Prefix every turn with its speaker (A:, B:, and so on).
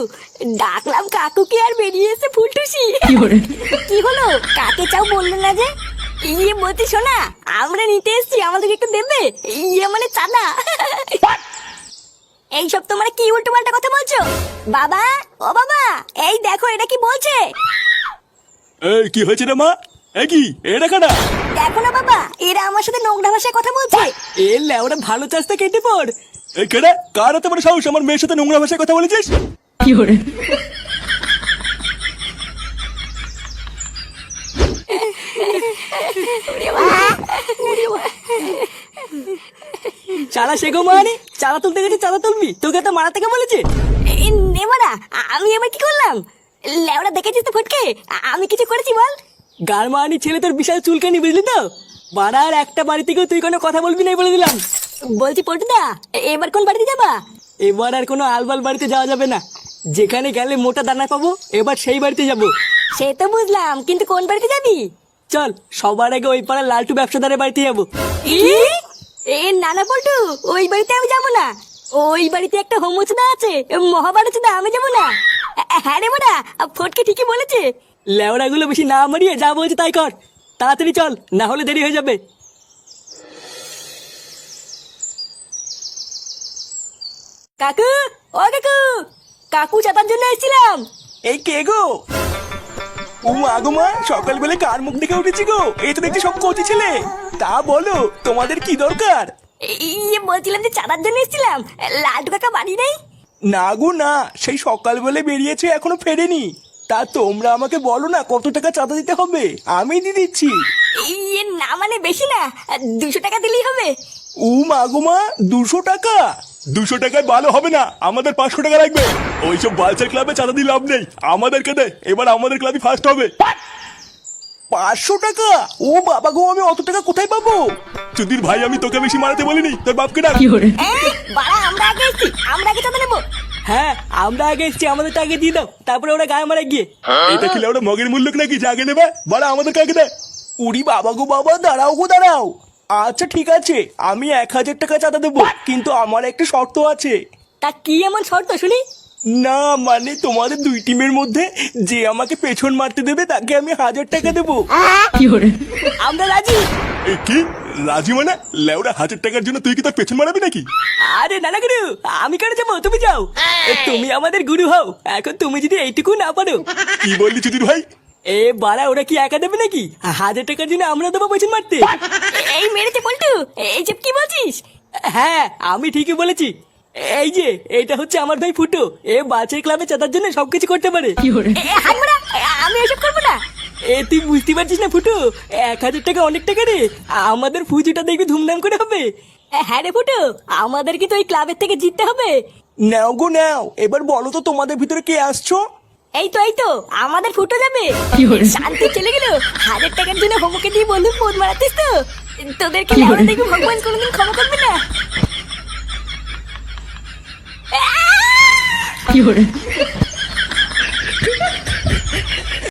A: ডাকলাম কাকুকে আর বেরিয়ে এসে ফুলটুসি। কি হলো, কাকে চাও বললো না যে? বলছি শোনা, আমরা নিতে এসছি, আমাদেরকে একটু দেবে? মানে চাঁদা। এইসব তোমরা কি উল্টো পাল্টা কথা বলছো? বাবা, ও বাবা, এই দেখো এটা কি বলছে।
B: এই কি হয়েছে রে মা? এই কি এটা কাটা?
A: দেখো না বাবা, এরা আমার সাথে নোংরা ভাষায় কথা বলছে।
C: এ লেওরা ভালো চাষটা কেটে পড়।
B: এই কেডা? কার এত বড় সাহস আমার মেয়ের সাথে নোংরা ভাষায় কথা বলেছিস?
C: চালা শেখো মানে চালা তুলতে গেছে, চালা তুলবি, তোকে তো মারা থেকে বলেছে।
A: নেমারা, আমি এবার কি করলাম? লেওরা দেখেছিস তো ফটকে, আমি কিছু করেছি বল?
C: গারমানি ছেলে তোর বিশাল চুলকানি, বুঝলি তো? বাড়ার একটা বাড়ি থেকেও তুই কোনো কথা বলবি না বলে দিলাম।
A: বলছি পটুদা, এবার কোন বাড়িতে যাবা?
C: এবার আর কোনো আলবাল বাড়িতে যাওয়া যাবে না। যেখানে গেলে মোটা দানা পাবো, এবার সেই বাড়িতে যাব।
A: সে তো বুঝলাম, কিন্তু কোন বাড়িতে যাবি?
C: চল সবার আগে ওই পাড়ার লালটু ব্যবসাদারের বাড়িতে যাবো।
A: নানা পল্টু, ওই বাড়িতে আমি যাবো না। ওই বাড়িতে একটা হোমচুদা আছে, মহাভারতদা, আমি যাবো না। হ্যাঁ রে মোরা, ফটকে ঠিকই বলেছে।
C: লেওড়া গুলো বেশি না মারিয়ে যা বলছে তাই কর, তাড়াতাড়ি চল, না হলে দেরি হয়ে যাবে।
A: কাকু, ও কাকু, কাকু চাতার জন্য এসেছিলাম।
B: এই কে গো? ও মা গো মা, সকালবেলা কার মুখ দেখে উঠেছি গো? এই তো দেখছি সব কচি ছেলে। তা বলো, তোমাদের কি দরকার?
A: বলছিলাম যে চাঁদার জন্য এসেছিলাম, লালটু কাকা বাড়ি নেই?
B: না গো না, সেই সকালবেলা বেরিয়েছে, এখনো ফেরেনি। তা তোমরা আমাকে বলো না কত টাকা চাঁদা দিতে হবে, আমি দিয়ে দিচ্ছি।
A: না মানে বেশি না, 200 টাকা দিলেই হবে।
B: ও মা গো মা, 200 টাকা? 200 টাকায় ভালো হবে না, আমাদের 500 টাকা লাগবে। ওইসব বালচার ক্লাবে চাঁদা দিয়ে লাভ নেই, আমাদেরকে দে, এবার আমাদের ক্লাবই ফার্স্ট হবে। 500 টাকা? ও বাবা গো, আমি অত টাকা কোথায় পাবো? চুদির ভাই, আমি তোকে বেশি মারাতে বলিনি, তোর বাপকে ডাক।
A: বাড়া, আমরা আগে এসেছি, আমরা আগে চাঁদা নেবো।
C: হ্যাঁ, আমরা আগে এসছি, আমাদেরটা আগে দিয়ে দাও, তারপরে ওরা গায়ে মারা গিয়ে।
B: এটা কি ওটা মগের মূল্য নাকি যে আগে নেবে? বলা আমাদেরকে আগে দে। উড়ি বাবা গো বাবা, দাঁড়াও গো দাঁড়াও। আচ্ছা ঠিক আছে, আমি 1000 টাকা চাঁদা দেবো, কিন্তু আমার একটা শর্ত আছে।
A: তা কি এমন শর্ত শুনি?
B: না মানে তোমাদের দুই টিমের মধ্যে যে আমাকে পেছন মারতে দেবে তাকে আমি 1000 টাকা দেবো।
A: আমরা রাজি।
B: এ কি রাজি মানে? লেওরা 1000 টাকার জন্য তুই কি তোর পেছন মারাবি নাকি?
C: আরে নানা গুরু, আমি কেন যাবো, তুমি যাও। তুমি আমাদের গুরু হও, এখন তুমি যদি এইটুকু না পারো।
B: কি বললি চুদির ভাই?
C: এ বাড়া, ওরা কি একা দেবে নাকি? 1000 টাকার জন্য আমরা দেবো পেছন মারতে?
A: এই মেরেছে পল্টু, এইসব কি বলছিস?
C: হ্যাঁ, আমি ঠিকই বলেছি। এই যে এটা হচ্ছে আমার ভাই ফুটো, এ বাচ্চার ক্লাবে চাঁদার জন্য সবকিছু করতে পারে।
A: হাত মারা, আমি এসব করবো না।
C: এ তুই বুঝতে পারছিস না ফুটো, 1000 টাকা অনেক টাকা রে, আমাদের পুজোটা দেখবি ধুমধাম করে হবে।
A: হ্যাঁ রে ফুটু, আমাদের কি তো ওই ক্লাবের থেকে জিততে হবে?
B: নাও গো নাও, এবার বলো তো তোমাদের ভিতরে কে আসছো?
A: এই তো আমাদের ফুটো যাবে। শান্তি চলে গেল। 1000 টাকার জন্য হোমকে দিয়ে বন্ধু ফোন মারাতিস তো? তোদেরকে লেওয়া দেখবি ভগবান কোনোদিন ক্ষমা করবে না।